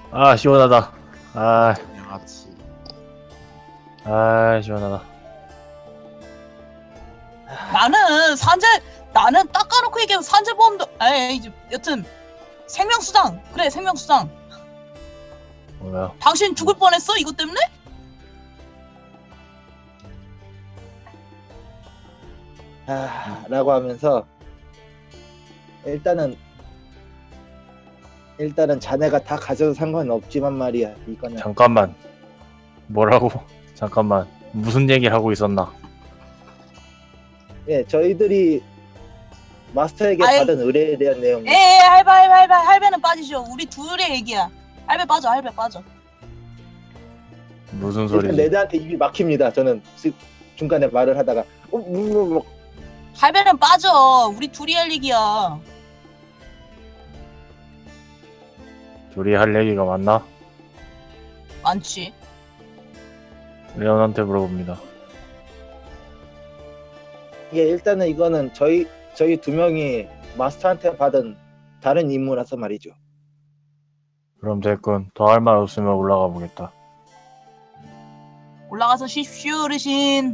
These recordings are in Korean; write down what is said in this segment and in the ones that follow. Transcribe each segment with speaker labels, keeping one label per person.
Speaker 1: 아 시원하다. 아,
Speaker 2: 양아치.
Speaker 1: 아 시원하다.
Speaker 3: 나는 딱 까놓고 얘기하면 산재보험도 이제 여튼 생명수당 그래 생명수당.
Speaker 1: 뭐야?
Speaker 3: 당신 죽을 뻔했어 이것 때문에?
Speaker 4: 라고 하면서 일단은 자네가 다 가져도 상관은 없지만 말이야. 이거는
Speaker 1: 잠깐만. 뭐라고? 잠깐만. 무슨 얘기를 하고 있었나?
Speaker 4: 예, 저희들이 마스터에게
Speaker 3: 아이.
Speaker 4: 받은 의뢰에 대한 내용.
Speaker 3: 할배는 빠지죠. 우리 둘의 얘기야. 할배 빠져.
Speaker 1: 무슨
Speaker 4: 일단
Speaker 1: 소리지?
Speaker 4: 레드한테 입이 막힙니다. 저는 중간에 말을 하다가
Speaker 3: 할배는 빠져. 우리 둘이 할 얘기야.
Speaker 1: 둘이 할 얘기가 맞나?
Speaker 3: 많지.
Speaker 1: 레온한테 물어봅니다.
Speaker 4: 예, 일단은 이거는 저희 두 명이 마스터한테 받은 다른 임무라서 말이죠.
Speaker 1: 그럼 됐군. 더 할 말 없으면 올라가 보겠다.
Speaker 3: 올라가서 쉬십시오 어르신.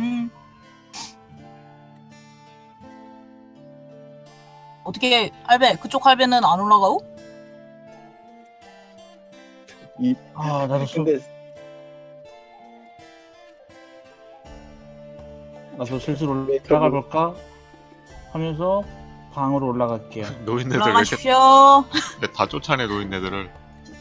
Speaker 3: 어떻게 할배 그쪽 할배는 안 올라가고?
Speaker 5: 나도
Speaker 4: 근데
Speaker 5: 슬슬
Speaker 4: 왜
Speaker 5: 올라가 볼까 하면서 방으로 올라갈게요.
Speaker 2: 노인네들 왜 이렇게
Speaker 3: 올라가십시오.
Speaker 2: 다 쫓아내 노인네들을.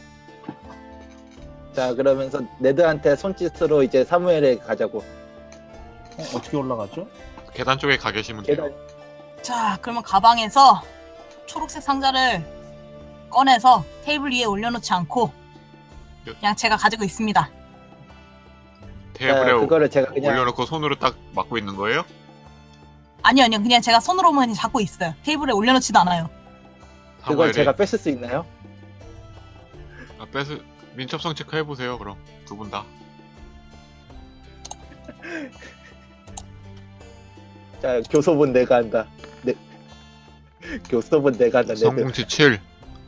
Speaker 4: 자, 그러면서 레드한테 손짓으로 이제 사무엘에 가자고.
Speaker 5: 어떻게 올라가죠?
Speaker 2: 계단 쪽에 가 계시면 돼요.
Speaker 4: 계단
Speaker 3: 자 그러면 가방에서 초록색 상자를 꺼내서 테이블 위에 올려놓지 않고 그냥 제가 가지고 있습니다.
Speaker 2: 테이블에
Speaker 4: 그거를 제가 그냥
Speaker 2: 올려놓고 손으로 딱 막고 있는 거예요?
Speaker 3: 아니요 그냥 제가 손으로만 그냥 잡고 있어요. 테이블에 올려놓지도 않아요.
Speaker 4: 그걸
Speaker 2: 사무엘이
Speaker 4: 제가 뺏을 수 있나요?
Speaker 2: 민첩성 체크 해보세요. 그럼 두 분 다.
Speaker 4: 자, 교섭은 내가 한다. 네. 교섭은 내가 한다. 레드.
Speaker 2: 성공치 7,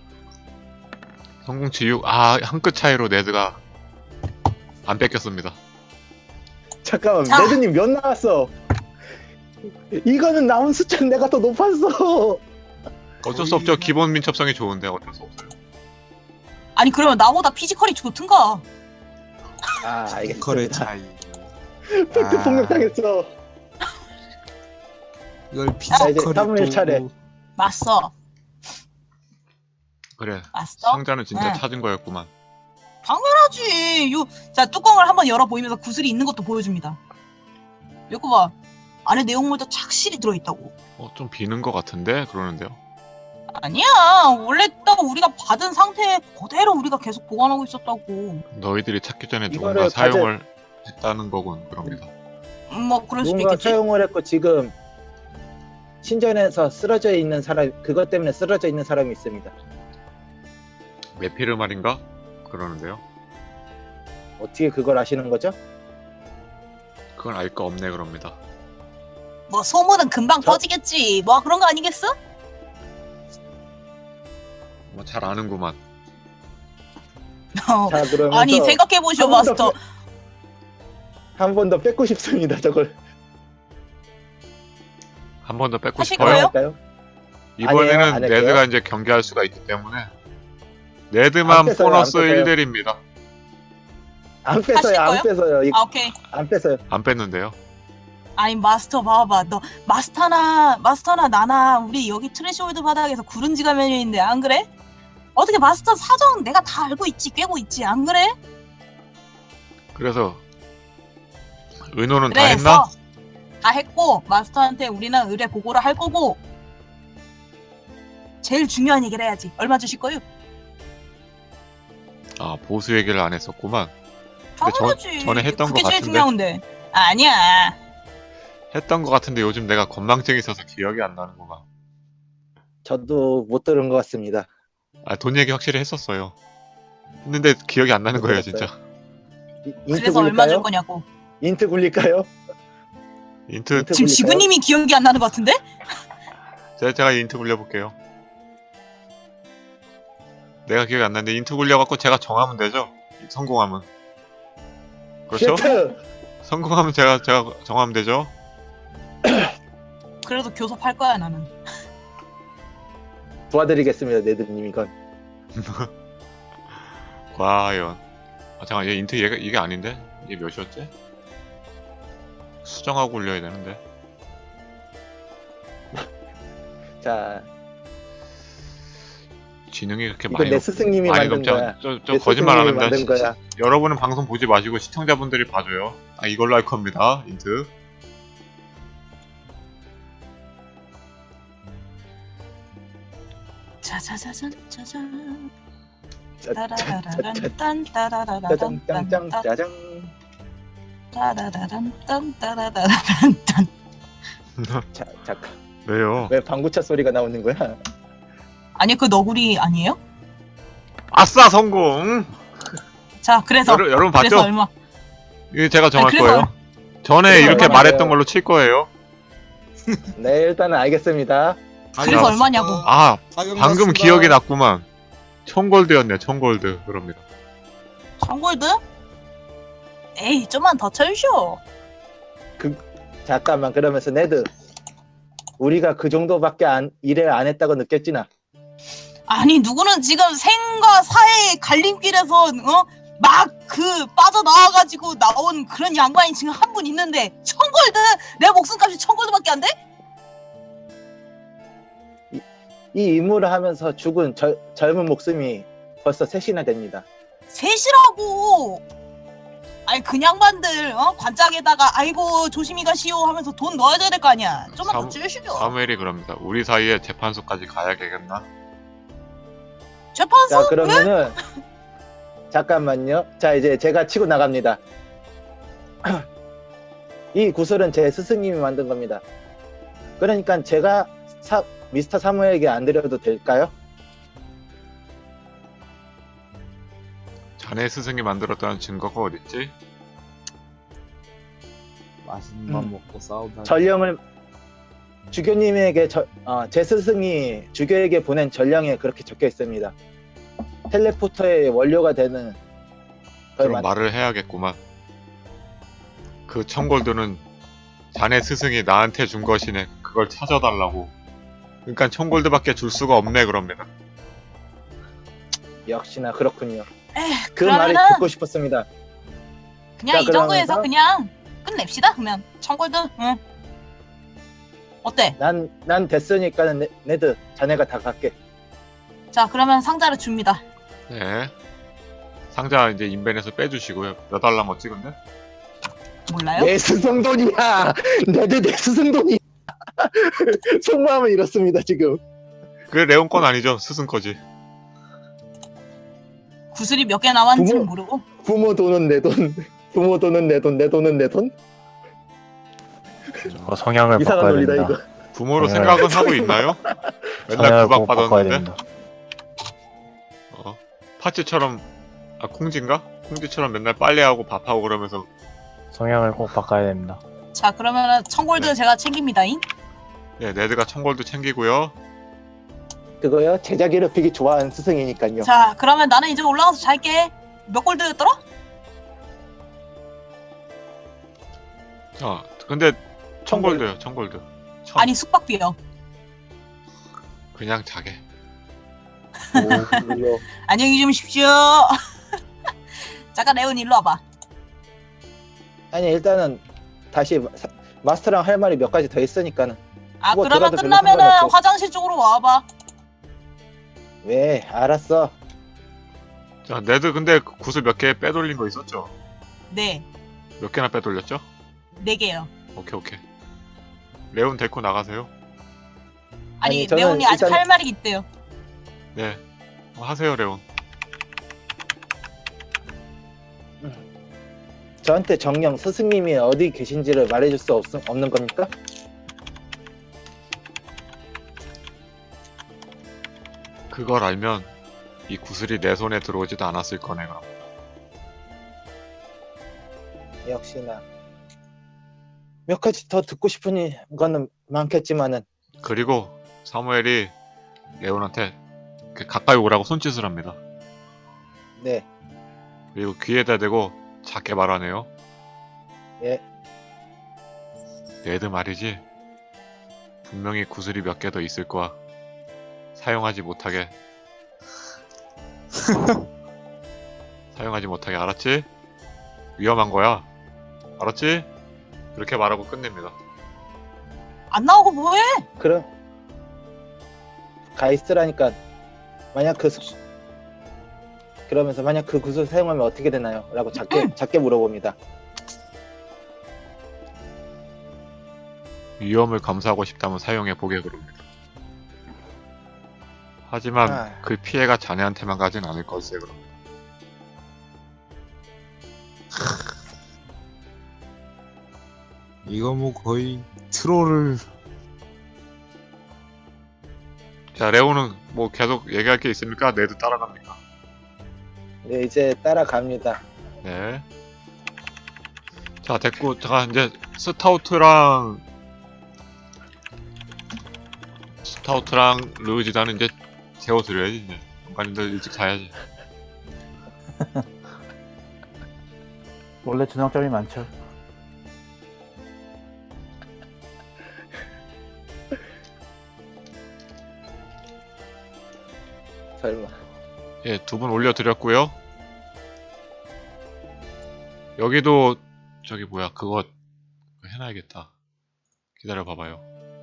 Speaker 2: 성공치 6. 한 끗 차이로 네드가 안 뺏겼습니다.
Speaker 4: 잠깐만,
Speaker 3: 자.
Speaker 4: 레드님 몇 나왔어? 이거는 나온 숫자는 내가 더 높았어.
Speaker 2: 어쩔 수 없죠. 기본 민첩성이 좋은데 어쩔 수 없어요.
Speaker 3: 아니 그러면 나보다 피지컬이 좋든가.
Speaker 4: 알겠습니다.
Speaker 6: 거래 차이.
Speaker 4: 팩트 폭력당했어.
Speaker 6: 이걸
Speaker 4: 자, 이제
Speaker 6: 피지컬이
Speaker 4: 사무엘 차례.
Speaker 3: 맞어.
Speaker 2: 그래.
Speaker 3: 맞어?
Speaker 2: 상자는 진짜
Speaker 3: 응.
Speaker 2: 찾은 거였구만.
Speaker 3: 당연하지. 자 뚜껑을 한번 열어 보이면서 구슬이 있는 것도 보여줍니다. 이거 봐. 안에 내용물도 착실히 들어있다고.
Speaker 2: 좀 비는 것 같은데 그러는데요.
Speaker 3: 아니야. 원래 딱 우리가 받은 상태에 그대로 우리가 계속 보관하고 있었다고.
Speaker 2: 너희들이 찾기 전에
Speaker 4: 이거를
Speaker 2: 누군가 사용을 했다는 거군. 그럽니다.
Speaker 3: 뭐 그럴 수도
Speaker 4: 누군가
Speaker 3: 있겠지.
Speaker 4: 사용을 했고 지금 신전에서 쓰러져 있는 사람, 그것 때문에 쓰러져 있는 사람이 있습니다.
Speaker 2: 메피르 말인가? 그러는데요.
Speaker 4: 어떻게 그걸 아시는 거죠?
Speaker 2: 그건 알 거 없네 그럽니다.
Speaker 3: 뭐 소문은 금방
Speaker 4: 저-
Speaker 3: 퍼지겠지. 뭐 그런 거 아니겠어?
Speaker 2: 뭐 잘 아는구만.
Speaker 4: 자, 그러면서
Speaker 3: 아니 생각해보시오
Speaker 4: 한 번 더
Speaker 3: 마스터.
Speaker 4: 한 번 더 뺏고 싶습니다. 저걸
Speaker 2: 한 번 더 뺏고
Speaker 3: 하실
Speaker 2: 싶어요?
Speaker 3: 거예요?
Speaker 4: 할까요?
Speaker 2: 이번에는
Speaker 4: 아니에요, 안 할게요.
Speaker 2: 네드가 이제 경기할 수가 있기 때문에
Speaker 4: 안
Speaker 2: 네드만
Speaker 4: 뺏어요,
Speaker 2: 보너스
Speaker 4: 안 뺏어요.
Speaker 2: 1델입니다.
Speaker 4: 안 뺏어요, 안
Speaker 3: 하실
Speaker 4: 뺏어요,
Speaker 3: 아 오케이.
Speaker 4: 안 뺏어요.
Speaker 2: 안 뺐는데요.
Speaker 3: 아니 마스터 봐봐. 너 마스터나 나나 우리 여기 트레시홀드 바닥에서 구른지 가면인데 안 그래? 어떻게 마스터 사정 내가 다 알고 있지, 꿰고 있지, 안 그래?
Speaker 2: 그래서 의논은 다 했나?
Speaker 3: 그래서 다 했고 마스터한테 우리는 의뢰 보고를 할 거고 제일 중요한 얘기를 해야지. 얼마 주실 거요?
Speaker 2: 보수 얘기를 안 했었구만. 근데
Speaker 3: 당연하지.
Speaker 2: 전에 했던
Speaker 3: 그게
Speaker 2: 것
Speaker 3: 제일
Speaker 2: 같은데.
Speaker 3: 중요한데. 아니야.
Speaker 2: 했던 것 같은데 요즘 내가 건망증이 있어서 기억이 안 나는구만.
Speaker 4: 저도 못 들은 것 같습니다.
Speaker 2: 돈 얘기 확실히 했었어요. 했는데 기억이 안 나는 거예요 진짜.
Speaker 4: 인트
Speaker 3: 그래서 얼마 줄
Speaker 4: 굴릴까요?
Speaker 3: 거냐고.
Speaker 4: 인트 굴릴까요?
Speaker 2: 인트
Speaker 4: 인트
Speaker 3: 지금
Speaker 4: 굴릴까요?
Speaker 3: 지구님이 기억이 안 나는 것 같은데?
Speaker 2: 제가 인트 굴려볼게요. 내가 기억이 안 나는데 인트 굴려갖고 제가 정하면 되죠? 성공하면. 그렇죠?
Speaker 4: 쉐트!
Speaker 2: 성공하면 제가 정하면 되죠?
Speaker 3: 그래도 교섭할 거야 나는.
Speaker 4: 도와드리겠습니다, 네드님 이건.
Speaker 2: 과연. 아 잠깐 얘 인트 얘가 이게 아닌데? 얘 몇이었지? 수정하고 굴려야 되는데.
Speaker 4: 자,
Speaker 2: 지능이 그렇게
Speaker 4: 이건
Speaker 2: 많이
Speaker 4: 내 스승님이
Speaker 2: 많이
Speaker 4: 만든
Speaker 2: 높지
Speaker 4: 거야.
Speaker 2: 않... 저
Speaker 4: 내
Speaker 2: 거짓말 안
Speaker 4: 스승님이
Speaker 2: 합니다.
Speaker 4: 만든 거야.
Speaker 2: 여러분은 방송 보지 마시고 시청자분들이 봐줘요. 아 이걸로 할 겁니다. 인트.
Speaker 3: 짜자자잔 짜잔.
Speaker 4: 짜잔,
Speaker 3: 따라라란 따라라란
Speaker 4: 짱짱, 짜장.
Speaker 3: 따라라란 따라라란 딴.
Speaker 4: 자, 잠깐.
Speaker 2: 왜요?
Speaker 4: 왜 방구차 소리가 나오는 거야?
Speaker 3: 아니 그 너구리 아니에요?
Speaker 2: 아싸 성공!
Speaker 3: 자 그래서
Speaker 2: 여러분
Speaker 3: 그래서
Speaker 2: 봤죠?
Speaker 3: 얼마?
Speaker 2: 이게 제가 정할
Speaker 3: 아니,
Speaker 2: 거예요. 전에
Speaker 4: 그래서
Speaker 2: 이렇게
Speaker 4: 얼마나
Speaker 2: 말했던
Speaker 4: 돼요?
Speaker 2: 걸로 칠 거예요.
Speaker 4: 네, 일단은 알겠습니다.
Speaker 3: 그래서 얼마냐고.
Speaker 2: 아
Speaker 6: 사격
Speaker 2: 방금
Speaker 6: 났습니다.
Speaker 2: 기억이 났구만. 1000골드였네 1000골드. 그럽니다.
Speaker 3: 1000골드? 에이 좀만 더 쳐주쇼.
Speaker 4: 잠깐만, 그러면서 네드. 우리가 그 정도밖에 일을 안 했다고 느꼈지나?
Speaker 3: 아니 누구는 지금 생과 사의 갈림길에서 막 그 빠져나와가지고 나온 그런 양반이 지금 한 분 있는데 1000골드? 내 목숨값이 1000골드밖에 안 돼?
Speaker 4: 이 임무를 하면서 죽은 젊은 목숨이 벌써 셋이나 됩니다.
Speaker 3: 셋이라고. 아니 그 양반들 관짝에다가 아이고 조심히 가시오 하면서 돈 넣어야 될 거 아니야. 좀만 더 줄시죠.
Speaker 2: 사무엘이 그럽니다. 우리 사이에 재판소까지 가야겠나?
Speaker 3: 재판소?
Speaker 4: 자, 그러면은 잠깐만요. 자, 이제 제가 치고 나갑니다. 이 구슬은 제 스승님이 만든 겁니다. 그러니까 제가 미스터 사무엘에게 안 드려도 될까요?
Speaker 2: 자네 스승이 만들었다는 증거가 어딨지?
Speaker 6: 맛있는 밥 먹고 싸우다.
Speaker 4: 전령을 주교님에게 제 스승이 주교에게 보낸 전령에 그렇게 적혀 있습니다. 텔레포터의 원료가 되는
Speaker 2: 그럼 말을 해야겠구만. 그 1000골드는 자네 스승이 나한테 준 것이네. 그걸 찾아달라고. 그러니까 1000골드밖에 줄 수가 없네 그럽니다.
Speaker 4: 역시나 그렇군요.
Speaker 3: 에휴,
Speaker 4: 그 말이
Speaker 3: 그러면은
Speaker 4: 듣고 싶었습니다.
Speaker 3: 그냥
Speaker 4: 자,
Speaker 3: 이 정도에서
Speaker 4: 그러면서-
Speaker 3: 그냥 끝냅시다. 그러면 1000골드. 응. 어때?
Speaker 4: 난 됐으니까는 네드 자네가 다 갖게.
Speaker 3: 자 그러면 상자를 줍니다.
Speaker 2: 네. 상자 이제 인벤에서 빼주시고요. 몇 달러 찍은데?
Speaker 3: 몰라요?
Speaker 4: 내 스승 돈이야. 네드 내 스승 돈이야. 속마음은 이렇습니다 지금.
Speaker 2: 그게 레온 건 아니죠. 스승 거지.
Speaker 3: 구슬이 몇 개 나왔는지는
Speaker 4: 부모-
Speaker 3: 모르고.
Speaker 4: 부모 돈은 내 돈. 부모 돈은 내 돈. 내 돈은 내 돈.
Speaker 1: 저 성향을
Speaker 4: 이상한
Speaker 1: 바꿔야
Speaker 4: 논리다
Speaker 1: 됩니다.
Speaker 4: 이거.
Speaker 2: 부모로
Speaker 1: 네.
Speaker 2: 생각은 하고 있나요? 맨날
Speaker 1: 성향을
Speaker 2: 구박
Speaker 1: 꼭 바꿔야
Speaker 2: 받았는데.
Speaker 1: 됩니다.
Speaker 2: 파츠처럼 콩지인가? 콩지처럼 맨날 빨래하고 밥하고 그러면서
Speaker 1: 성향을 꼭 바꿔야 됩니다.
Speaker 3: 자 그러면은 1000골드
Speaker 2: 네.
Speaker 3: 제가 챙깁니다잉.
Speaker 2: 네, 네드가 1000골드 챙기고요.
Speaker 4: 그거요? 제자 괴롭히기 좋아하는 스승이니까요.
Speaker 3: 자 그러면 나는 이제 올라가서 잘게. 몇 골드였더라?
Speaker 2: 자, 근데 1000골드요. 1000골드.
Speaker 3: 아니 숙박비요.
Speaker 2: 그냥 자게.
Speaker 4: 물론.
Speaker 3: 안녕히 주무십시오. 잠깐 레온 일로 와봐.
Speaker 4: 아니 일단은 다시 마스터랑 할 말이 몇 가지 더 있으니까는.
Speaker 3: 아
Speaker 4: 뭐
Speaker 3: 그러면
Speaker 4: 들어도 별로
Speaker 3: 끝나면은
Speaker 4: 상관없고.
Speaker 3: 화장실 쪽으로 와봐.
Speaker 4: 왜? 알았어.
Speaker 2: 자, 네드 근데 구슬 몇 개 빼돌린 거 있었죠?
Speaker 3: 네.
Speaker 2: 몇 개나 빼돌렸죠?
Speaker 3: 4개요.
Speaker 2: 오케이. 레온 데리고 나가세요.
Speaker 3: 아니
Speaker 4: 아니, 저는
Speaker 3: 레온이 아직
Speaker 4: 일단-
Speaker 3: 할 말이 있대요.
Speaker 2: 네. 하세요, 레온.
Speaker 4: 저한테 정령 스승님이 어디 계신지를 말해줄 수 없는 겁니까?
Speaker 2: 그걸 알면 이 구슬이 내 손에 들어오지도 않았을 거네, 그럼.
Speaker 4: 역시나 몇 가지 더 듣고 싶은 거는 많겠지만은
Speaker 2: 그리고 사무엘이 레온한테 이렇게 가까이 오라고 손짓을 합니다.
Speaker 4: 네.
Speaker 2: 그리고 귀에다 대고 작게 말하네요.
Speaker 4: 예.
Speaker 2: 네드 말이지. 분명히 구슬이 몇 개 더 있을 거야. 사용하지 못하게. 사용하지 못하게, 알았지? 위험한 거야. 알았지? 그렇게 말하고 끝냅니다.
Speaker 3: 안 나오고 뭐해?
Speaker 4: 그럼 가 있으라니까. 만약 그러면서 만약 그 구슬 사용하면 어떻게 되나요? 라고 작게 물어봅니다.
Speaker 2: 위험을 감수하고 싶다면 사용해 보게 그럽니다. 하지만
Speaker 4: 아.
Speaker 2: 그 피해가 자네한테만 가진 않을 걸세 그럽니다.
Speaker 6: 이거 뭐 거의 트롤을
Speaker 2: 자, 레오는 뭐 계속 얘기할 게 있습니까? 네드 따라갑니까?
Speaker 4: 네, 이제 따라갑니다.
Speaker 2: 네. 자, 됐고, 잠깐 이제 스타우트랑 르지단은 이제 재워드려야지. 이제 연관님들 일찍 자야지.
Speaker 5: 원래 저녁점이 많죠.
Speaker 4: 설마.
Speaker 2: 예, 2분 올려드렸고요. 여기도 저기 뭐야 그거 해놔야겠다. 기다려봐봐요.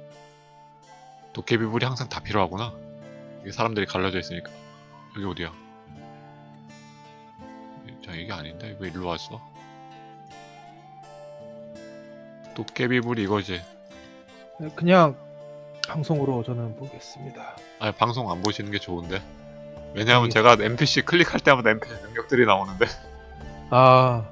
Speaker 2: 도깨비불이 항상 다 필요하구나. 이게 사람들이 갈라져 있으니까. 여기 어디야? 자, 이게 아닌데? 왜 일로 왔어? 도깨비불이 이거지.
Speaker 7: 그냥 방송으로 저는 보겠습니다.
Speaker 2: 아니, 방송 안 보시는 게 좋은데. 왜냐하면 제가 NPC 클릭할 때마다 NPC 능력들이 나오는데.
Speaker 7: 아,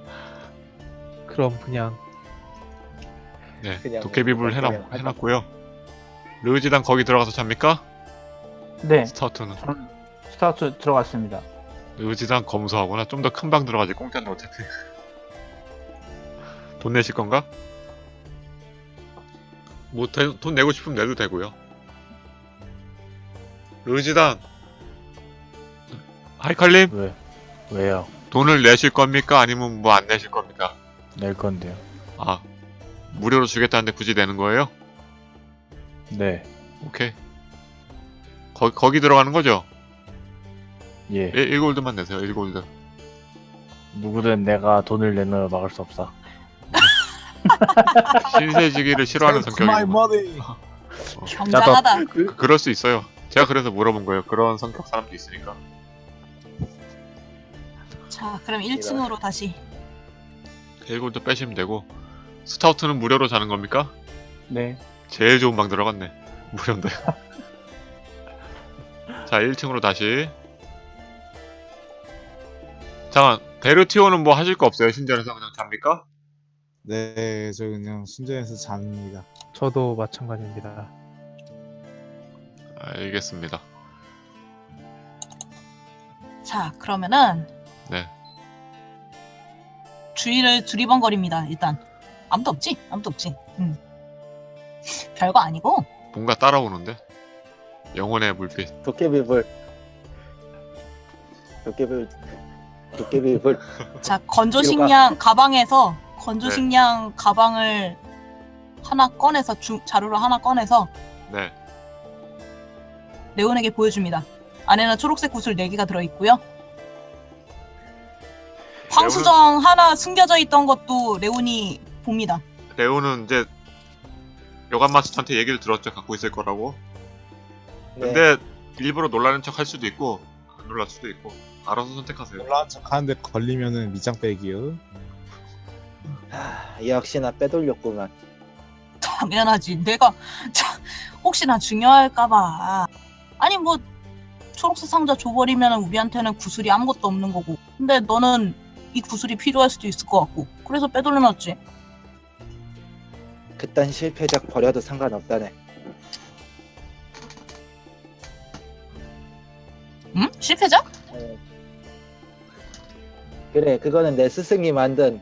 Speaker 7: 그럼 그냥
Speaker 2: 네,
Speaker 4: 그냥
Speaker 2: 도깨비불
Speaker 4: 그냥
Speaker 2: 해놨고요. 르지단 거기 들어가서 잡니까?
Speaker 5: 네,
Speaker 2: 스타우트는.
Speaker 5: 스타트 들어갔습니다.
Speaker 2: 르지단 검소하구나. 좀 더 큰 방 들어가지. 공짜인데 어차피. 돈 내실 건가? 뭐 돈 내고 싶으면 내도 되고요. 르지단 하이칼님
Speaker 1: 왜요?
Speaker 2: 돈을 내실 겁니까? 아니면 뭐 안 내실 겁니까?
Speaker 1: 낼 건데요.
Speaker 2: 아, 무료로 주겠다는데 굳이 내는 거예요?
Speaker 1: 네.
Speaker 2: 오케이. 거기 들어가는 거죠?
Speaker 1: 예.
Speaker 2: 1골드만 내세요. 1골드.
Speaker 1: 누구든 내가 돈을 내는 걸 막을 수 없어.
Speaker 2: 신세지기를 싫어하는 성격이고.
Speaker 3: 경장하다.
Speaker 2: 그럴 수 있어요. 제가 그래서 물어본 거예요. 그런 성격 사람도 있으니까.
Speaker 3: 자, 그럼 1층으로 다시.
Speaker 2: 1골드 빼시면 되고. 스타우트는 무료로 자는 겁니까?
Speaker 5: 네,
Speaker 2: 제일 좋은 방 들어갔네. 무료인데. 자, 1층으로 다시. 잠깐, 베르티오는 뭐 하실 거 없어요? 신전에서 그냥 잡니까?
Speaker 6: 네, 저 그냥 순전해서 잡니다.
Speaker 7: 저도 마찬가지입니다.
Speaker 2: 알겠습니다.
Speaker 3: 자, 그러면은
Speaker 2: 네.
Speaker 3: 주위를 두리번거립니다. 일단 아무도 없지? 아무도 없지. 별거 아니고.
Speaker 2: 뭔가 따라오는데? 영혼의 물빛.
Speaker 4: 도깨비불.
Speaker 3: 자, 건조식량 가방에서 건조식량 가방을 하나 꺼내서 자루를 하나 꺼내서
Speaker 2: 네.
Speaker 3: 레온에게 보여줍니다. 안에는 초록색 구슬 4개가 들어있고요. 황수정 하나 숨겨져 있던 것도 레온이 봅니다.
Speaker 2: 레오는 이제 여관 마스터한테 얘기를 들었죠. 갖고 있을 거라고.
Speaker 4: 네.
Speaker 2: 근데 일부러 놀라는 척 할 수도 있고 안 놀랄 수도 있고 알아서 선택하세요.
Speaker 6: 놀라운 척 하는데 걸리면은 밑장 빼기요.
Speaker 4: 역시나 빼돌렸구만.
Speaker 3: 당연하지. 내가 혹시나 중요할까봐. 아니 뭐 초록색 상자 줘버리면 우리한테는 구슬이 아무것도 없는 거고. 근데 너는 이 구슬이 필요할 수도 있을 것 같고. 그래서 빼돌려놨지.
Speaker 4: 그딴 실패작 버려도 상관없다네.
Speaker 3: 응? 실패자?
Speaker 4: 그래, 그거는 내 스승이 만든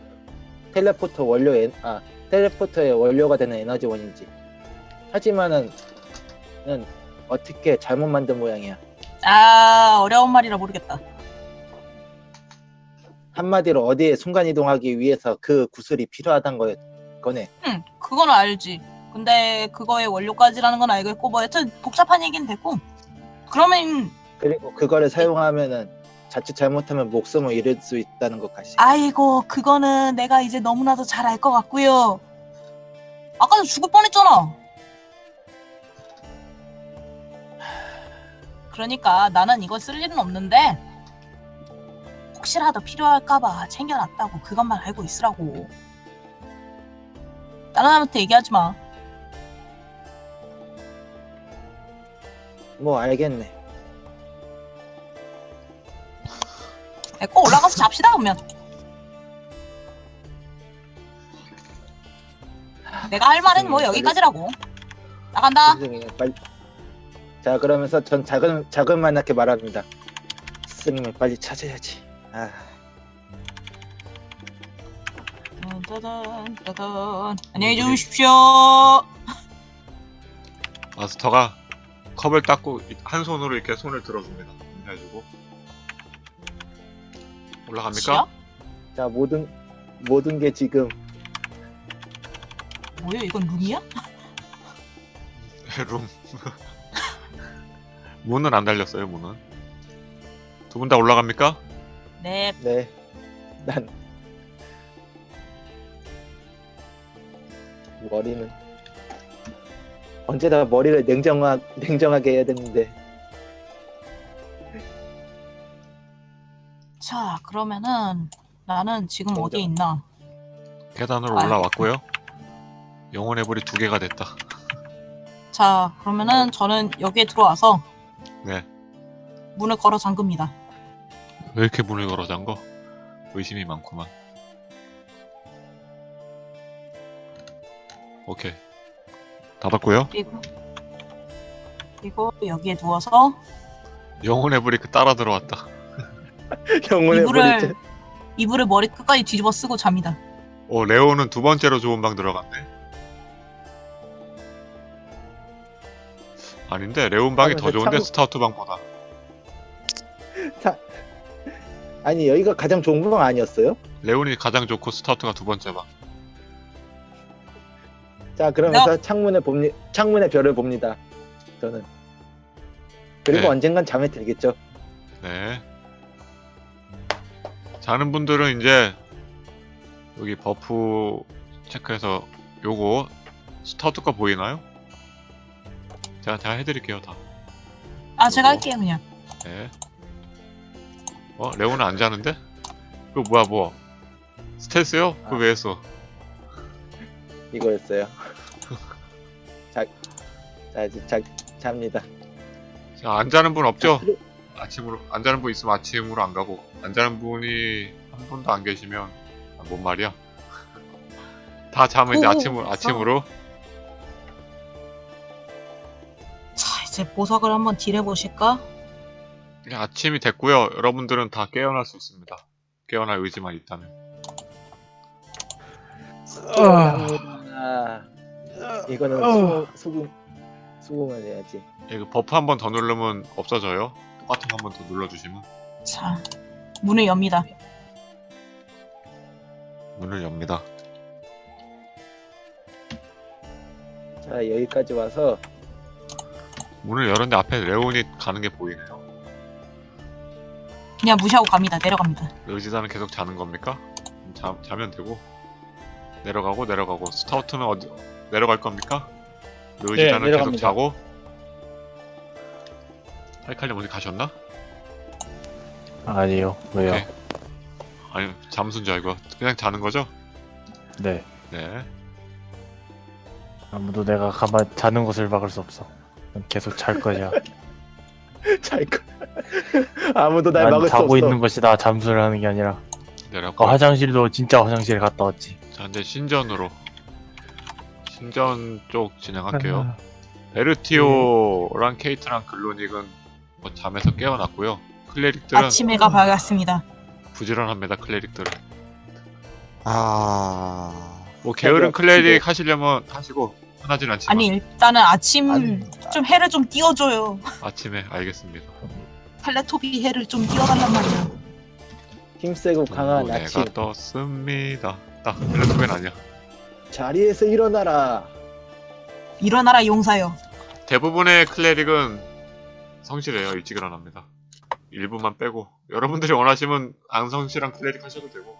Speaker 4: 텔레포터의 원료가 되는 에너지원이지. 하지만은 어떻게 잘못 만든 모양이야.
Speaker 3: 아, 어려운 말이라 모르겠다.
Speaker 4: 한마디로 어디에 순간 이동하기 위해서 그 구슬이 필요하단 거네.
Speaker 3: 응, 그건 알지. 근데 그거의 원료까지라는 건 알겠고 뭐 여튼 복잡한 얘기는 됐고. 그러면
Speaker 4: 그리고 그거를 사용하면은 자칫 잘못하면 목숨을 잃을 수 있다는 것까지.
Speaker 3: 아이고 그거는 내가 이제 너무나도 잘 알 것 같고요. 아까도 죽을 뻔했잖아. 그러니까 나는 이걸 쓸 일은 없는데 혹시라도 필요할까봐 챙겨놨다고 그것만 알고 있으라고. 다른 사람한테 얘기하지 마.
Speaker 4: 뭐 알겠네.
Speaker 3: 꼭 올라가서 잡시다 그러면. 내가 할 말은 뭐 여기까지라고. 나간다.
Speaker 4: 스승님 빨리. 자 그러면서 전 자그만하게 말합니다. 스승님을 빨리 찾아야지. 아.
Speaker 3: 따단, 따단. 안녕히 주무십시오.
Speaker 2: 마스터가 컵을 닦고 한 손으로 이렇게 손을 들어줍니다. 인사해주고 올라갑니까?
Speaker 3: 지야?
Speaker 4: 자 모든 게 지금
Speaker 3: 뭐야 이건 룸이야?
Speaker 2: 룸. 문은 안 달렸어요. 문은. 두 분 다 올라갑니까?
Speaker 3: 네.
Speaker 4: 네. 난 머리는 언제나 머리를 냉정하게 해야 되는데.
Speaker 3: 자 그러면은 나는 지금
Speaker 4: 냉정.
Speaker 3: 어디에 있나?
Speaker 2: 계단으로
Speaker 3: 아이고.
Speaker 2: 올라왔고요. 영혼의 불이 2개가 됐다.
Speaker 3: 자 그러면은 저는 여기에 들어와서
Speaker 2: 네.
Speaker 3: 문을 걸어 잠급니다.
Speaker 2: 왜 이렇게 문을 걸어 잠궈? 의심이 많구만. 오케이. 닫았고요.
Speaker 3: 그리고 여기에 누워서
Speaker 2: 영혼의 불이 따라 들어왔다.
Speaker 4: 영혼의
Speaker 3: 이불을 이불을 머리 끝까지 뒤집어 쓰고 잡니다.
Speaker 2: 레오는 두 번째로 좋은 방 들어갔네. 아닌데 레온 방이 더 좋은데 스타우트 방보다.
Speaker 4: 아니 여기가 가장 좋은 방 아니었어요?
Speaker 2: 레온이 가장 좋고 스타우트가 두 번째 방.
Speaker 4: 자 그러면서 창문의 별을 봅니다. 저는. 그리고
Speaker 2: 네.
Speaker 4: 언젠간 잠에 들겠죠.
Speaker 2: 네. 자는 분들은 이제 여기 버프 체크해서 요거 스타우트 거 보이나요? 제가 해드릴게요 다.
Speaker 3: 아 제가 할게요 그냥.
Speaker 2: 네. 레오는 안 자는데? 그거 뭐야 스텔스요? 그거 왜 했어?
Speaker 4: 이거였어요. 자 잡니다.
Speaker 2: 자, 안 자는 분 없죠?
Speaker 4: 그래.
Speaker 2: 아침으로 안 자는 분 있으면 아침으로 안 가고 안 자는 분이 한 분도 안 계시면 뭔 말이야? 다 자면 이제 아침으로
Speaker 3: 자 이제 보석을 한번 딜해 보실까?
Speaker 2: 그냥 아침이 됐고요. 여러분들은 다 깨어날 수 있습니다. 깨어날 의지만 있다면.
Speaker 4: 이거는 수긍을 해야지.
Speaker 2: 이거 버프 한 번 더 누르면 없어져요. 똑같은 거 한 번 더 눌러주시면
Speaker 3: 자 문을 엽니다.
Speaker 2: 문을 엽니다.
Speaker 4: 자 여기까지 와서
Speaker 2: 문을 열었는데 앞에 레온이 가는 게 보이네요.
Speaker 3: 그냥 무시하고 갑니다. 내려갑니다.
Speaker 2: 의지단은 계속 자는 겁니까? 자면 되고 내려가고 스타우트는 어디 내려갈 겁니까? 의지단은 계속 자고 하이칼님 어디 가셨나?
Speaker 1: 아니요. 왜요?
Speaker 2: 오케이. 아니 잠수인 줄 알고 그냥 자는 거죠?
Speaker 1: 네.
Speaker 2: 네.
Speaker 1: 아무도 내가 가만 자는 것을 막을 수 없어. 난 계속 잘 거야.
Speaker 4: 아무도 날
Speaker 1: 난
Speaker 4: 막을 수
Speaker 1: 자고
Speaker 4: 없어.
Speaker 1: 있는 것이다. 잠수를 하는 게 아니라.
Speaker 2: 내렸고.
Speaker 1: 화장실도 진짜 화장실에 갔다 왔지.
Speaker 2: 자 이제 신전 쪽 진행할게요.
Speaker 7: 아,
Speaker 2: 베르티오랑 케이트랑 글로닉은 뭐 잠에서 깨어났고요. 클레릭들은
Speaker 3: 아침 해가 밝았습니다.
Speaker 2: 부지런합니다. 클레릭들은
Speaker 6: 아,
Speaker 2: 뭐 게으른 클레릭
Speaker 4: 지금-
Speaker 2: 하시려면 하시고 편하진 않지만
Speaker 3: 아니 일단은 아침
Speaker 4: 아니,
Speaker 3: 좀 해를 좀 띄워줘요.
Speaker 2: 아침에 알겠습니다.
Speaker 3: 텔레토비 해를 좀 띄워달란 말이야.
Speaker 4: 힘세고 강한
Speaker 2: 내가
Speaker 4: 아침.
Speaker 2: 떴습니다. 딱 텔레토비는 아니야.
Speaker 4: 자리에서 일어나라.
Speaker 3: 일어나라 용사여.
Speaker 2: 대부분의 클레릭은 성실해요. 일찍 일어납니다. 일부만 빼고 여러분들이 원하시면 앙성실한 클레릭 하셔도 되고.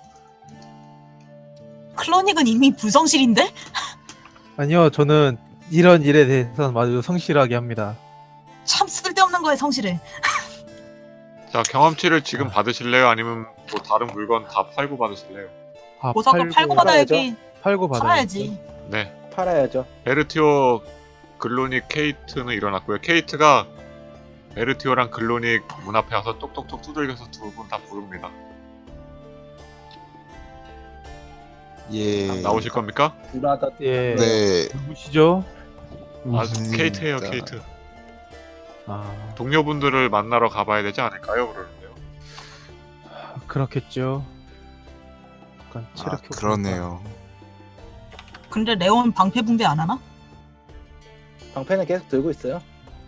Speaker 3: 클로닉은 이미 불성실인데?
Speaker 7: 아니요, 저는 이런 일에 대해서는 아주 성실하게 합니다.
Speaker 3: 참 쓸데없는 거에 성실해.
Speaker 2: 자, 경험치를 지금 받으실래요? 아니면 뭐 다른 물건 다 팔고 받으실래요?
Speaker 7: 아,
Speaker 3: 보석을 팔고 받아야지.
Speaker 7: 팔고
Speaker 3: 팔아야지.
Speaker 2: 네.
Speaker 4: 팔아야죠.
Speaker 2: 베르티오, 글로닉, 케이트는 일어났고요. 케이트가 베르티오랑 글로닉 문 앞에 와서 똑똑똑 두들겨서 두 분 다 부릅니다.
Speaker 6: 예.
Speaker 2: 나오실 겁니까?
Speaker 4: 불하다.
Speaker 7: 예.
Speaker 6: 네.
Speaker 7: 누구시죠?
Speaker 2: 아, 케이트예요, 케이트.
Speaker 7: 아,
Speaker 2: 동료분들을 만나러 가봐야 되지 않을까요? 그러는데요.
Speaker 7: 그렇겠죠. 약간
Speaker 6: 아,
Speaker 7: 체력 효과.
Speaker 6: 그러네요.
Speaker 3: 근데 레온 방패 분배 안 하나?
Speaker 4: 방패는 계속 들고 있어요.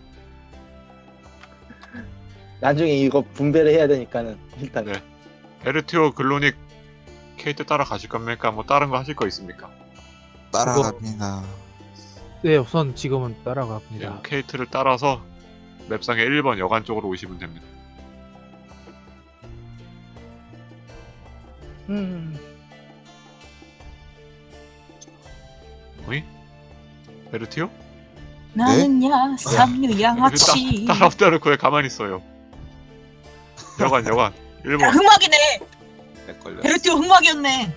Speaker 4: 나중에 이거 분배를 해야 되니까는 일단
Speaker 2: 네. 베르티오, 글로닉, 케이트 따라가실 겁니까? 뭐 다른 거 하실 거 있습니까?
Speaker 6: 따라갑니다.
Speaker 7: 네, 우선 지금은
Speaker 2: 네,
Speaker 7: 따라갑니다.
Speaker 2: 케이트를 따라서 맵상의 1번 여관 쪽으로 오시면 됩니다. 어이? 베르티오?
Speaker 3: 나는야 삼류 양아치.
Speaker 2: 따라오다를 왜 가만히 있어요? 여관 1번.
Speaker 3: 흑막이네.
Speaker 6: 헷갈려.
Speaker 3: 베르티오 흑막이었네.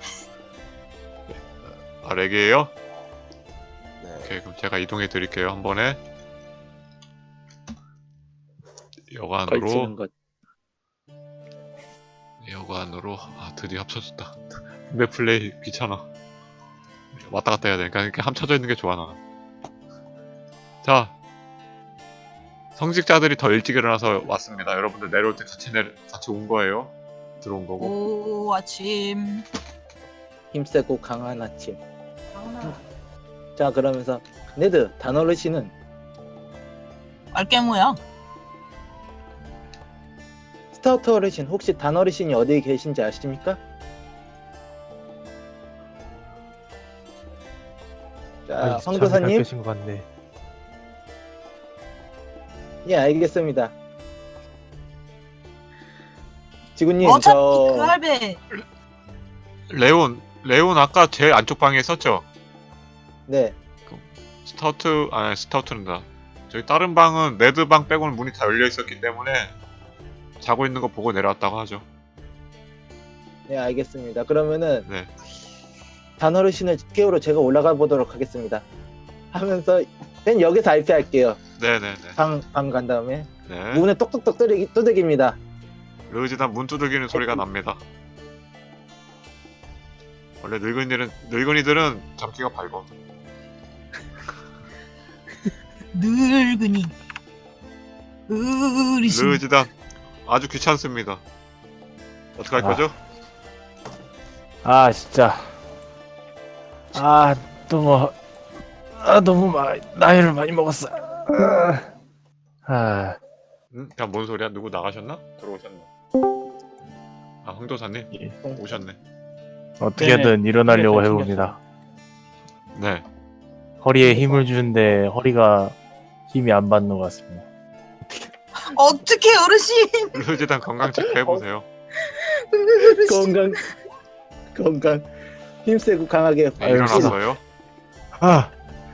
Speaker 2: 아, 렉이에요?
Speaker 6: 네.
Speaker 2: 오케이, 그럼 제가 이동해 드릴게요. 한 번에.
Speaker 4: 걸치는 것.
Speaker 2: 여관으로. 아, 드디어 합쳐졌다. 분배 플레이 귀찮아. 왔다 갔다 해야 되니까 이렇게 합쳐져 있는 게 좋아, 나는. 자, 성직자들이 더 일찍 일어나서 왔습니다. 여러분들 내려올 때 같이 온 거예요. 들어온 거고.
Speaker 3: 오 아침.
Speaker 4: 힘세고 강한 아침. 자, 그러면서 네드 단어르시는
Speaker 3: 알게모야.
Speaker 4: 스타우트 어르신 혹시 단어르신이 어디에 계신지 아십니까? 자, 황도사님.
Speaker 7: 계신 것 같네.
Speaker 4: 예, 알겠습니다. 지구님,
Speaker 3: 어차피
Speaker 4: 저
Speaker 3: 그 할배
Speaker 2: 레온 아까 제일 안쪽 방에 있었죠?
Speaker 4: 네,
Speaker 2: 스타우트는다. 저기 다른 방은 네드 방 빼고는 문이 다 열려 있었기 때문에 자고 있는 거 보고 내려왔다고 하죠.
Speaker 4: 네, 알겠습니다. 그러면은
Speaker 2: 네.
Speaker 4: 단어르신을 깨우러 제가 올라가 보도록 하겠습니다. 하면서 맨 여기서 RP할게요.
Speaker 2: 네네네.
Speaker 4: 방 간 다음에
Speaker 2: 네.
Speaker 4: 문에 똑똑똑 두들깁니다.
Speaker 2: 르지단 문 두들기는 소리가 납니다. 원래 늙은이들은 잡기가 밝어.
Speaker 3: 늙은이. 어르신.
Speaker 2: 르지단 아주 귀찮습니다. 어떡할
Speaker 1: 아.
Speaker 2: 거죠?
Speaker 1: 아 진짜. 너무 나이를 많이 먹었어.
Speaker 2: 야, 뭔 소리야? 누구 나가셨나? 들어오셨나? 아, 황도사님?
Speaker 1: 예.
Speaker 2: 오셨네.
Speaker 1: 어떻게든 일어나려고
Speaker 5: 네,
Speaker 1: 해봅니다.
Speaker 2: 네.
Speaker 1: 허리에 힘을 주는데 허리가 힘이 안 받는 것 같습니다.
Speaker 3: 어떻게 어르신?
Speaker 2: 르지단 건강 체크 해보세요.
Speaker 4: 건강 힘세고 강하게
Speaker 2: 네, 일어났어요.
Speaker 1: 아,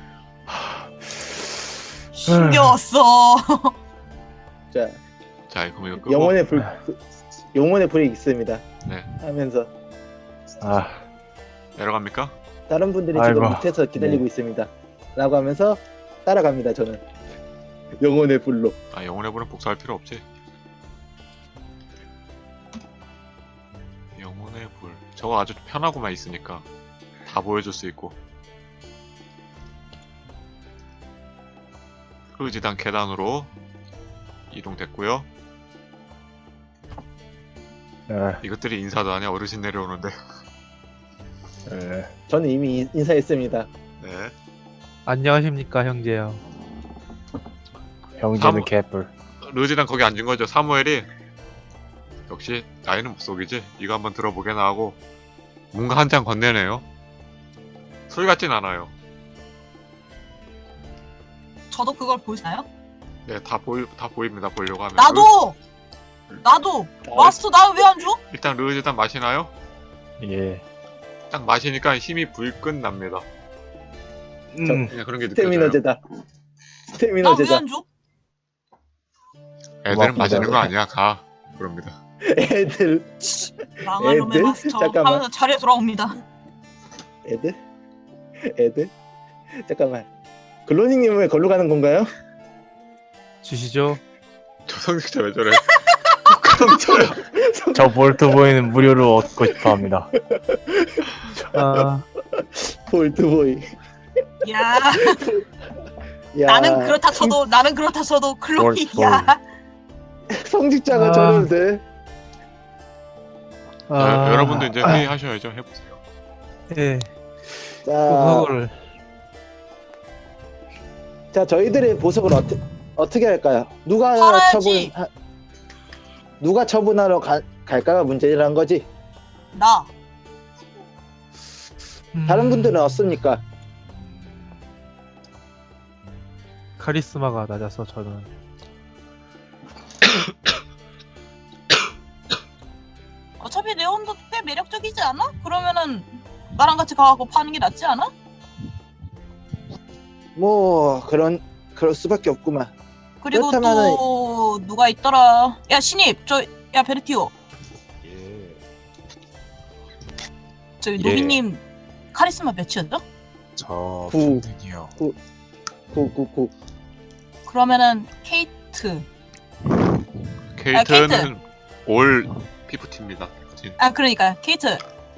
Speaker 3: 힘겨웠어.
Speaker 4: 자,
Speaker 2: 자, 그럼 이거 끄고.
Speaker 4: 영혼의 불이 있습니다.
Speaker 2: 네.
Speaker 4: 하면서
Speaker 2: 내려갑니까?
Speaker 4: 다른 분들이
Speaker 1: 아이고.
Speaker 4: 지금 밑에서 기다리고 있습니다. 라고 하면서 따라갑니다. 저는 영혼의 불로.
Speaker 2: 아, 영혼의 불은 복사할 필요 없지. 영혼의 불. 저거 아주 편하고만 있으니까 다 보여줄 수 있고. 르지단 계단으로 이동됐고요. 이것들이 인사도 하냐? 어르신 내려오는데.
Speaker 4: 저는 이미 인사했습니다.
Speaker 2: 네.
Speaker 7: 안녕하십니까 형제요.
Speaker 1: 형제는 개뿔.
Speaker 2: 르지단 거기 앉은 거죠. 사무엘이 역시 나이는 못 속이지. 이거 한번 들어보게나 하고 뭔가 한 장 건네네요. 술 같진 않아요.
Speaker 3: 저도 그걸 보시나요?
Speaker 2: 네, 다 보입니다. 보려고 하면.
Speaker 3: 나도 마스터 나 왜 안 줘?
Speaker 2: 일단 르지단 마시나요?
Speaker 1: 예.
Speaker 2: 딱 마시니까 힘이 불끈 납니다. 그냥 그런 게 느껴져요.
Speaker 4: 스태미너제다.
Speaker 3: 나 왜
Speaker 4: 스태미너제다.
Speaker 3: 안 줘?
Speaker 2: 애들은
Speaker 1: 고맙습니다.
Speaker 2: 마시는 거 아니야. 가. 그럽니다.
Speaker 4: 애들
Speaker 3: 망할 놈의
Speaker 4: 애들?
Speaker 3: 마스터
Speaker 4: 잠깐만.
Speaker 3: 하면서 자리에 돌아옵니다.
Speaker 4: 애들 잠깐만. 글로닝님 왜 걸로 가는 건가요?
Speaker 7: 주시죠.
Speaker 2: 저 성직자 왜 저래? 성직자야.
Speaker 1: 저 볼트보이는 무료로 얻고 싶어 합니다.
Speaker 7: 아,
Speaker 3: 야,
Speaker 4: 볼트보이. 야,
Speaker 3: 나는 그렇다 쳐도 클로이.
Speaker 1: 뭘.
Speaker 3: 야,
Speaker 4: 성직자가
Speaker 7: 아.
Speaker 4: 저러는데.
Speaker 2: 여러분도 이제 회의하셔야죠. 해보세요.
Speaker 7: 예.
Speaker 4: 자,
Speaker 7: 그거를
Speaker 4: 자 저희들의 보석을 어떻게 할까요?
Speaker 3: 팔아야지.
Speaker 4: 누가 처분하러 갈까가 문제라는 거지.
Speaker 3: 나
Speaker 4: 다른 분들은 없습니까?
Speaker 7: 카리스마가 낮아서 저는
Speaker 3: 어차피 레온도 꽤 매력적이지 않아? 그러면은 나랑 같이 가고 파는 게 낫지 않아?
Speaker 4: 뭐 그럴 수밖에 없구만.
Speaker 3: 그리고
Speaker 4: 그렇다면은-
Speaker 3: 또 누가 있더라? 야 신입 야 베르티오
Speaker 6: 예.
Speaker 3: 저기
Speaker 1: 예.
Speaker 3: 노비님 카리스마 몇이었죠?
Speaker 6: 저
Speaker 4: 구.
Speaker 6: 평등이요.
Speaker 4: 999.
Speaker 3: 그러면은 케이트
Speaker 2: 케이트는 올 피프티입니다. 피프틴.
Speaker 3: 아 그러니까 케이트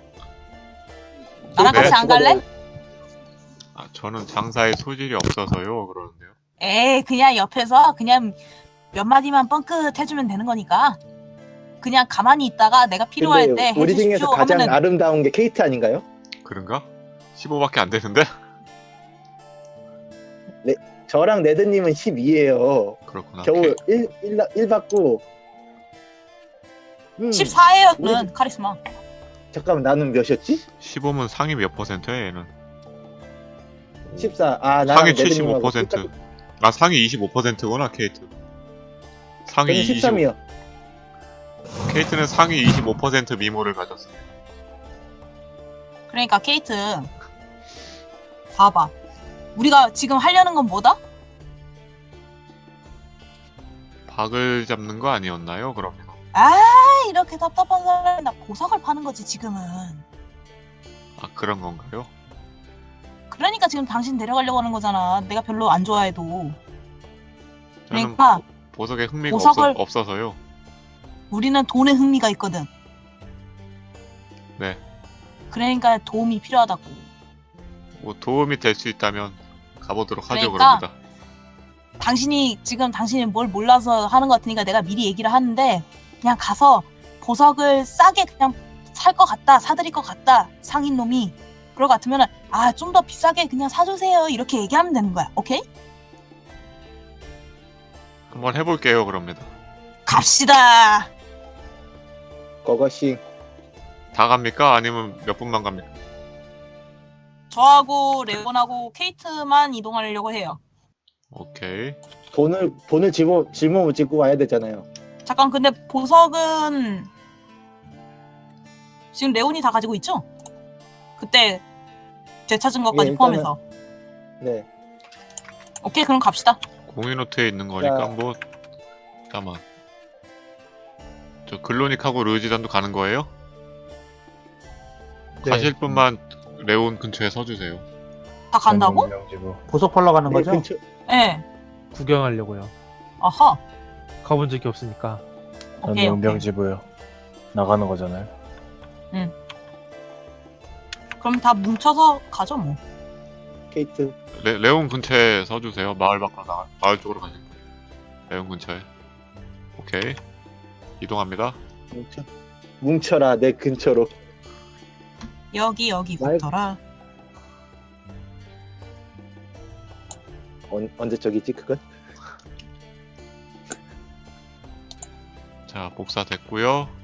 Speaker 3: 나랑
Speaker 2: 네.
Speaker 3: 같이 안 갈래?
Speaker 2: 아, 저는 장사에 소질이 없어서요. 그러는데요.
Speaker 3: 에이 그냥 옆에서 그냥 몇 마디만 뻥끗 해주면 되는 거니까 그냥 가만히 있다가 내가 필요할 때
Speaker 4: 근데 우리 중에서
Speaker 3: 해주십시오
Speaker 4: 가장
Speaker 3: 하면은
Speaker 4: 아름다운 게 케이트 아닌가요?
Speaker 2: 그런가? 15밖에 안 되는데?
Speaker 4: 저랑 레드님은 12예요.
Speaker 2: 그렇구나.
Speaker 4: 겨우 1 받고.
Speaker 3: 14예요 저는 카리스마
Speaker 4: 잠깐만 나는 몇이었지?
Speaker 2: 15면 상위 몇 퍼센트야 얘는?
Speaker 4: 14. 아 나랑
Speaker 2: 상위
Speaker 4: 레드님하고
Speaker 2: 75%. 아 상위 25%구나 케이트. 상위
Speaker 4: 저는 13이요.
Speaker 2: 케이트는 상위 25% 미모를 가졌습니다.
Speaker 3: 그러니까 케이트 봐봐 우리가 지금 하려는 건 뭐다?
Speaker 2: 박을 잡는 거 아니었나요? 그러면
Speaker 3: 아 이렇게 답답한 사람이 나 보석을 파는 거지 지금은
Speaker 2: 아 그런 건가요?
Speaker 3: 그러니까 지금 당신 데려가려고 하는 거잖아 내가 별로 안 좋아해도
Speaker 2: 저는
Speaker 3: 그러니까
Speaker 2: 보석에 흥미가
Speaker 3: 보석을-
Speaker 2: 없어서요.
Speaker 3: 우리는 돈에 흥미가 있거든
Speaker 2: 네.
Speaker 3: 그러니까 도움이 필요하다고
Speaker 2: 뭐 도움이 될 수 있다면 가보도록 하죠.
Speaker 3: 그러니까
Speaker 2: 그럽니다.
Speaker 3: 당신이 뭘 몰라서 하는 것 같으니까 내가 미리 얘기를 하는데 그냥 가서 보석을 싸게 그냥 살 것 같다 사드릴 것 같다 상인 놈이 그럴 것 같으면은 아 좀 더 비싸게 그냥 사주세요 이렇게 얘기하면 되는 거야 오케이?
Speaker 2: 한번 해볼게요. 그럽니다.
Speaker 3: 갑시다
Speaker 4: 그것이
Speaker 2: 다 갑니까? 아니면 몇 분만 갑니까?
Speaker 3: 저하고 레온하고 케이트만 이동하려고 해요
Speaker 2: 오케이.
Speaker 4: 돈을 짊어지고 짓고 와야 되잖아요.
Speaker 3: 잠깐 근데 보석은 지금 레온이 다 가지고 있죠? 그때 되찾은 것까지
Speaker 4: 예, 일단은-
Speaker 3: 포함해서
Speaker 4: 네.
Speaker 3: 오케이 그럼 갑시다
Speaker 2: 공인노트에 있는 거니까
Speaker 4: 자.
Speaker 2: 뭐 잠깐만. 저 글로닉하고 르지단도 가는 거예요?
Speaker 7: 네.
Speaker 2: 가실 분만 레온 근처에 서주세요.
Speaker 3: 다 간다고?
Speaker 1: 명지부.
Speaker 5: 보석 팔러 가는
Speaker 4: 네,
Speaker 5: 거죠?
Speaker 4: 근처,
Speaker 3: 예
Speaker 7: 구경하려고요.
Speaker 3: 아하
Speaker 7: 가본 적이 없으니까.
Speaker 1: 전
Speaker 3: 오케이, 오케이.
Speaker 1: 용병지부요. 나가는 거잖아요.
Speaker 3: 그럼 다 뭉쳐서 가죠 뭐
Speaker 4: 케이트.
Speaker 2: 레온 근처에 서주세요. 마을 밖으로 마을 쪽으로 가실 거예요. 레온 근처에. 오케이. 이동합니다.
Speaker 4: 뭉쳐라 내 근처로.
Speaker 3: 여기 붙어라
Speaker 4: 언제 적이지 그건?
Speaker 2: 자, 복사 됐고요.